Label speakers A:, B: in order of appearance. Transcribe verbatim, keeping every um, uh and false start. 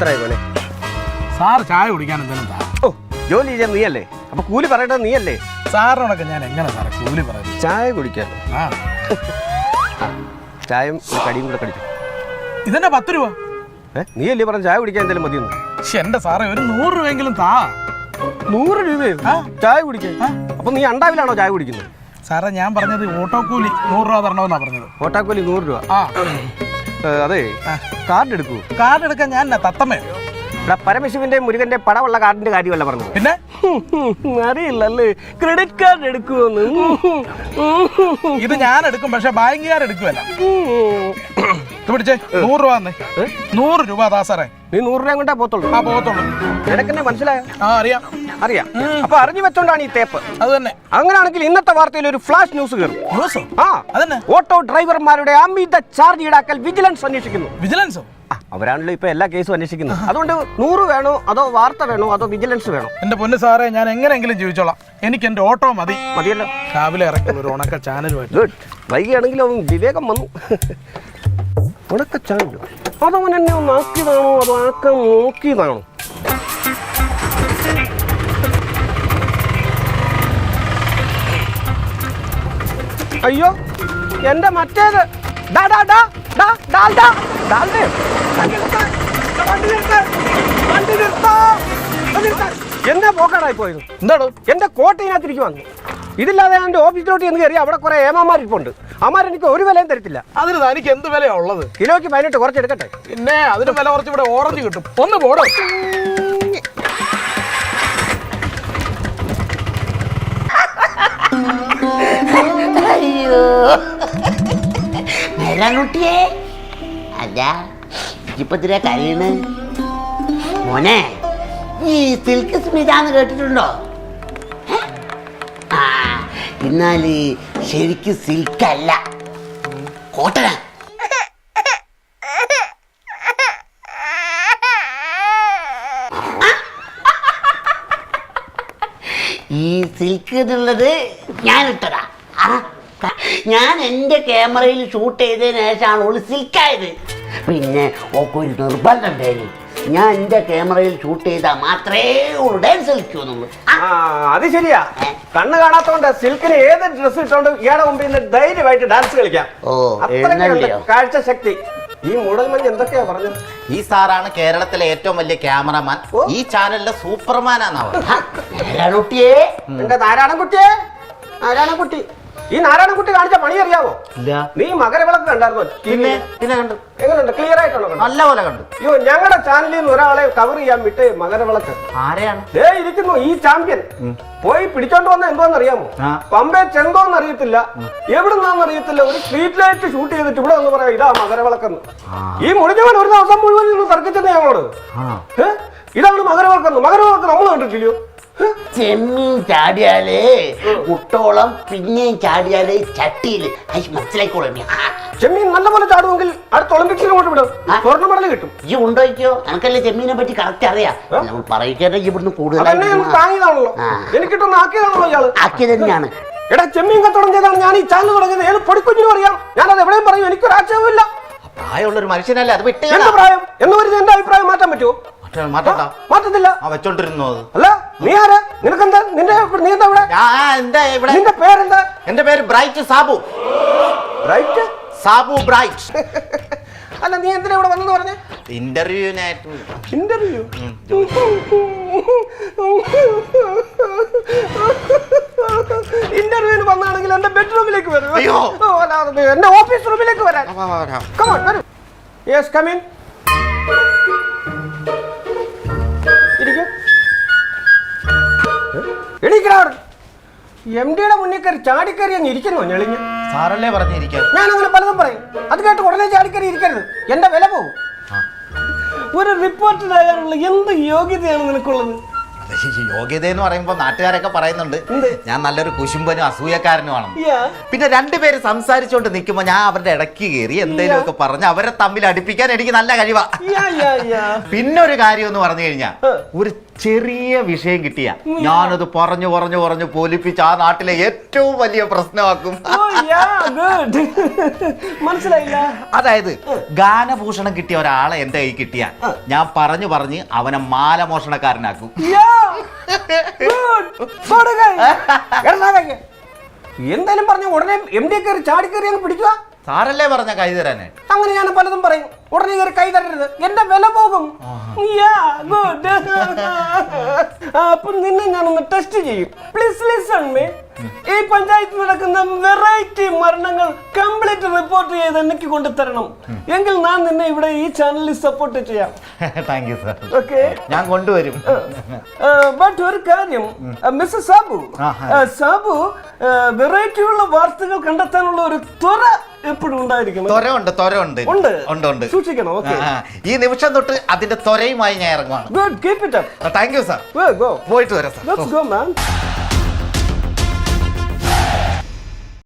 A: എത്രയായി പോലെ
B: സാർ ചായ കുടിക്കാൻ എന്തെങ്കിലും താ.
A: ഓ ജോലി ചെയ്യാൻ നീയല്ലേ, അപ്പൊ കൂലി പറയേണ്ടത് നീയല്ലേ?
B: സാറിനോടൊക്കെ ഞാൻ എങ്ങനെ സാറേ കൂലി പറയുന്നത്?
A: ചായ കുടിക്കാൻ
B: ആ
A: ചായയും ഒരു കടിയും കൂടെ കടിക്കും.
B: ഇതെന്നെ പത്ത് രൂപ.
A: ഏ നീയല്ലേ പറഞ്ഞ ചായ കുടിക്കാൻ എന്തെങ്കിലും മതിയെന്ന്?
B: പക്ഷെ എന്റെ സാറേ ഒരു നൂറ് രൂപയെങ്കിലും താ.
A: നൂറ് രൂപയോ ചായ കുടിക്കാൻ? അപ്പൊ നീ അണ്ടാവിലാണോ ചായ കുടിക്കുന്നത്?
B: സാറേ ഞാൻ പറഞ്ഞത് ഓട്ടോ കൂലി നൂറ് രൂപ തരണമെന്നാ പറഞ്ഞത്.
A: ഓട്ടോക്കൂലി നൂറ് രൂപ?
B: ആ
A: അതെ. കാർഡ് എടുക്കൂ.
B: കാർഡ് എടുക്കാൻ ഞാൻ തത്തമ്മയോ?
A: ഇവിടെ പരമശിവന്റെ മുരുകന്റെ പടമുള്ള കാർഡിന്റെ കാര്യമല്ല പറഞ്ഞത്.
B: പിന്നെ
A: അറിയില്ലല്ലേ ക്രെഡിറ്റ് കാർഡ് എടുക്കുമെന്ന്.
B: ഇത് ഞാൻ എടുക്കും, പക്ഷെ ബാങ്കുകാർ എടുക്കുമല്ല. പിടിച്ചേ നൂറ് രൂപ തന്നെ. നൂറ് രൂപ താ സാറേ.
A: നീ നൂറ് രൂപ കൊണ്ടാ പോത്തുള്ളൂ? ആ
B: പോകത്തുള്ളൂ.
A: നിനക്കെന്നെ മനസ്സിലായോ?
B: ആ അറിയാം
A: അറിയാം. അപ്പൊ അറിഞ്ഞു വെച്ചോണ്ടാണ് ഈ തേപ്പ്.
B: അത് തന്നെ.
A: അങ്ങനെയാണെങ്കിൽ ഇന്നത്തെ വാർത്തയിൽ ഒരു ഫ്ലാഷ് ന്യൂസ് കയറും.
B: ന്യൂസോ?
A: ആ അതന്നെ. ഓട്ടോ ഡ്രൈവർമാരുടെ അമിത ചാർജ് ഈടാക്കൽ വിജിലൻസ് അന്വേഷിക്കുന്നു.
B: വിജിലൻസോ?
A: അവരാണല്ലോ ഇപ്പൊ എല്ലാ കേസും അന്വേഷിക്കുന്നത്. അതുകൊണ്ട് നൂറ് വേണോ അതോ വാർത്ത വേണോ അതോ വിജിലൻസ് വേണോ?
B: എന്റെ പൊന്ന് സാറേ ഞാൻ എങ്ങനെയെങ്കിലും ജീവിച്ചോളാം. എനിക്ക് എന്റെ ഓട്ടോ മതി.
A: മതിയല്ലോ.
B: രാവിലെ ഇറക്കുന്ന ഒരു ഉണക്ക ചാനൽ.
A: ഗുഡ്. വൈകിയാണെങ്കിലും വിവേകം വന്നു. ഉണക്ക ചാനൽ അതവൻ എന്നെ ഒന്ന് ആക്കിയതാണോ അതോ ആക്കാൻ നോക്കിയതാണോ? അയ്യോ എന്റെ മറ്റേത് എന്നാ പോക്കാടായി പോയത്?
B: എന്താണോ?
A: എന്റെ കോട്ടയിനകത്തിരിക്കും വന്നു. ഇതില്ലാതെ എന്റെ ഓഫീസിലോട്ട് എന്ന് കയറി അവിടെ കുറെ ഏമാമാരിപ്പുണ്ട്. അമാർ എനിക്ക് ഒരു വിലയും തരത്തില്ല.
B: അതിന് തനിക്ക് എന്ത് വിലയാ ഉള്ളത്?
A: കിലോയ്ക്ക് പതിനെട്ട് കുറച്ചെടുക്കട്ടെ.
B: പിന്നെ അതിന് വില കുറച്ച് ഇവിടെ ഓറഞ്ച് കിട്ടും. ഒന്ന് പോടോ.
C: അയ്യോ കുട്ടിയെ അല്ല ഇപ്പൊ ഇതിരെ കരയണ് മോനെ. ഈ സിൽക്ക് സ്മിതാന്ന് കേട്ടിട്ടുണ്ടോ? ആ എന്നാല് ശരിക്കും സിൽക്കല്ല, കോട്ടനാ. ഈ സിൽക്ക് എന്നുള്ളത് ഞാൻ ഇട്ടതാ. ഞാൻ എൻ്റെ ക്യാമറയിൽ ഷൂട്ട് ചെയ്തതിന് ശേഷമാണ് ഓള് സിൽക്കായത്. പിന്നെ ഒക്കെ ഒരു നിർബന്ധം ഉണ്ടായിരുന്നു, ഞാൻ എൻ്റെ ക്യാമറയിൽ ഷൂട്ട് ചെയ്താൽ മാത്രമേ ഓള് ഡാൻസ് കളിക്കുന്നുള്ളൂ.
A: അത് ശരിയാ. കണ്ണ് കാണാത്തോണ്ട് സിൽക്കിന് ഏത് ഡ്രസ് ഇട്ടോണ്ട് ഇയാളുടെ മുമ്പിൽ നിന്ന് ധൈര്യമായിട്ട് ഡാൻസ് കളിക്കാം.
C: ഓ
A: കാഴ്ച ശക്തി. ഈ മൂടൽമഞ്ഞ് എന്തൊക്കെയാ പറഞ്ഞത്?
D: ഈ സാറാണ് കേരളത്തിലെ ഏറ്റവും വലിയ ക്യാമറമാൻ. ഈ ചാനലിലെ സൂപ്പർമാനാണ്
C: നാരായണക്കുട്ടിയെ.
A: എന്റെ നാരായണൻകുട്ടിയെ, നാരായണൻകുട്ടി. ഈ നാരായണൻകുട്ടി കാണിച്ച പണി അറിയാവോ? നീ മകരവിളക്ക് കണ്ടായിരുന്നോ?
D: പിന്നെ പിന്നെ കണ്ടു.
A: എങ്ങനെയുണ്ട്? ക്ലിയർ ആയിട്ടാണോ?
D: നല്ല പോലെ കണ്ടു.
A: അയ്യോ ഞങ്ങളുടെ ചാനലിൽ നിന്ന് ഒരാളെ കവർ ചെയ്യാൻ വിട്ട് മകരവിളക്ക്.
D: ആരെയാണ്?
A: ദേ ഇരിക്കുന്നു ഈ ചാമ്പ്യൻ. പോയി പിടിച്ചോണ്ട് വന്ന എന്തോന്ന് അറിയാമോ? പമ്പേ ചെന്തോന്ന് അറിയത്തില്ല, എവിടുന്നാന്ന് അറിയത്തില്ല. ഒരു സ്ട്രീറ്റ് ലൈറ്റ് ഷൂട്ട് ചെയ്തിട്ട് ഇവിടെ ഒന്ന് പറയാം ഇതാ മകരവിളക്കെന്ന്. ഈ മുടിഞ്ഞവൻ ഒരു ദിവസം മുഴുവൻ നിന്ന് തർക്കിച്ചെന്ന് ഞങ്ങളോട്. ഇതാണ് മകരവിളക്കെന്ന്. മകരവിളക്ക് നമ്മൾ കണ്ടിട്ടില്ലയോ?
C: ചെമ്മീൻ ചാടിയാലേ കുട്ടോളം, പിന്നെയും ചാടിയാലേ ചട്ടിയില് മനസ്സിലായിക്കോളും.
A: ചെമ്മീൻ നല്ലപോലെ ചാടുമെങ്കിൽ അടുത്ത ഒളിമ്പിക്സിന് കൊണ്ട് വിടും, സ്വർണ്ണ മെഡൽ കിട്ടും.
C: ഈ ഉണ്ടോയ്ക്കോ? എനിക്കല്ലേ ചെമ്മീനെ പറ്റി കറക്റ്റ് അറിയാം. പറയിക്കാതെ ഇവിടുന്ന്
A: കൂടുതലാണല്ലോ. എനിക്കിട്ടൊന്ന് ആക്കിയതാണല്ലോ ഇയാള്.
C: ആക്കിയത് തന്നെയാണ്.
A: എടാ ചെമ്മീൻ കച്ചവടം ചെയ്താണ് ഞാൻ ഈ ചാനൽ തുടങ്ങിയത്. ഏത് പൊടിക്കുഞ്ഞിനും അറിയാം. ഞാനത് എവിടെയും പറയും, എനിക്കൊരു ആക്ഷേപമില്ല.
D: പ്രായമുള്ള ഒരു മനുഷ്യനല്ലേ അത് വിട്ട്.
A: എന്ത് പ്രായം എന്ന് പറഞ്ഞ് എന്റെ അഭിപ്രായം മാറ്റാൻ പറ്റുമോ? മാറ്റത്തില്ല.
D: വെച്ചോണ്ടിരുന്നു.
A: അല്ല നീ ആരാ? നിനക്കെന്താ? നിന്റെ നീ എന്താ ഇവിടെ? നിന്റെ പേരെന്താ?
D: എന്റെ പേര് bright Sabu.
A: Bright
D: Sabu bright.
A: അല്ല നീ എന്തിനാ ഇവിടെ വന്നെന്ന് പറഞ്ഞേ?
D: ഇന്റർവ്യൂനായിട്ട്.
A: ഇന്റർവ്യൂ? ഇന്റർവ്യൂവിന് വന്നാണെങ്കിൽ എന്റെ ബെഡ്റൂമിലേക്ക് വരും. എന്റെ ഓഫീസ് റൂമിലേക്ക് വരാൻ. Come on, വരൂ. Yes, come in. ഇരിക്കൂ. എണീക്കടാ. എം ഡിയുടെ മുന്നിൽ കയറി ചാടിക്കറി അങ്ങ് ഇരിക്കുന്നു ഞെളിഞ്ഞ്.
D: സാറല്ലേ പറഞ്ഞിരിക്കാൻ?
A: ഞാൻ അങ്ങനെ പലതും പറയും. അത് കേട്ട് ഉടനെ ചാടിക്കറി ഇരിക്കരുത്, എന്റെ വില പോകും. ഒരു റിപ്പോർട്ടറായാലുള്ള എന്ത് യോഗ്യതയാണ് നിനക്കുള്ളത്?
D: യോഗ്യത എന്ന് പറയുമ്പോ നാട്ടുകാരൊക്കെ പറയുന്നുണ്ട് ഞാൻ നല്ലൊരു കുശുംബനും അസൂയക്കാരനുമാണ്. പിന്നെ രണ്ടുപേര് സംസാരിച്ചോണ്ട് നിൽക്കുമ്പോ ഞാൻ അവരുടെ ഇടയ്ക്ക് കയറി എന്തെങ്കിലും ഒക്കെ പറഞ്ഞ് അവരെ തമ്മിൽ അടുപ്പിക്കാൻ എനിക്ക് നല്ല കഴിവാ. പിന്നെ ഒരു കാര്യം എന്ന് പറഞ്ഞു കഴിഞ്ഞാൽ ഒരു ചെറിയ വിഷയം കിട്ടിയ ഞാനത് പറഞ്ഞു പറഞ്ഞു പറഞ്ഞു പോലിപ്പിച്ച് ആ നാട്ടിലെ ഏറ്റവും വലിയ പ്രശ്നമാക്കും.
A: മനസ്സിലായില്ല.
D: അതായത് ഗാനഭൂഷണം കിട്ടിയ ഒരാളെ എന്റെ കൈ കിട്ടിയ ഞാൻ പറഞ്ഞു പറഞ്ഞ് അവനെ മാലമോഷണക്കാരനാക്കും.
A: എന്തായാലും പറഞ്ഞ ഉടനെ എം ഡി കയറി ചാടി കയറി അങ്ങ് പിടിക്കുക.
D: സാറല്ലേ പറഞ്ഞ കൈ തരാനേ?
A: അങ്ങനെ ഞാൻ പലതും പറയും. ഉടനെ കയറി കൈ തരരുത്, എന്റെ വില പോകും. അപ്പൊ നിന്നെ ഞാനൊന്ന് ടെസ്റ്റ് ചെയ്യും. Please listen me. ഈ പഞ്ചായത്തിൽ നടക്കുന്ന വെറൈറ്റി മരണങ്ങൾ കംപ്ലീറ്റ് റിപ്പോർട്ട് ചെയ്ത് എനിക്ക് കൊണ്ടുതരണം. എങ്കിൽ ഞാൻ നിന്നെ ഇവിടെ ഈ ചാനലിൽ സപ്പോർട്ട് ചെയ്യാം.
D: Thank you sir.
A: ഓക്കെ,
D: ഞാൻ കൊണ്ടുവരും.
A: ബട്ട് ഒരു കാര്യം, മിസ്റ്റർ സാബു, സാബു വെറൈറ്റി ഉള്ള വാർത്തകൾ കണ്ടെത്താനുള്ള ഒരു ത്വര എപ്പോഴും ഉണ്ടായിരിക്കും.
D: ത്വരയുണ്ട്, ത്വരയുണ്ട്,
A: ഉണ്ട്
D: ഉണ്ട്, ഉണ്ട്.
A: സൂക്ഷിക്കണം. ഓക്കെ,
D: ഈ നിമിഷം തൊട്ട് അതിന്റെ ത്വരയുമായി ഞാൻ ഇറങ്ങുവാണ്.
A: Good, keep it up.
D: Thank you sir.
A: Go,
D: പോയിട്ട് വരാം സാർ.
A: Let's go man.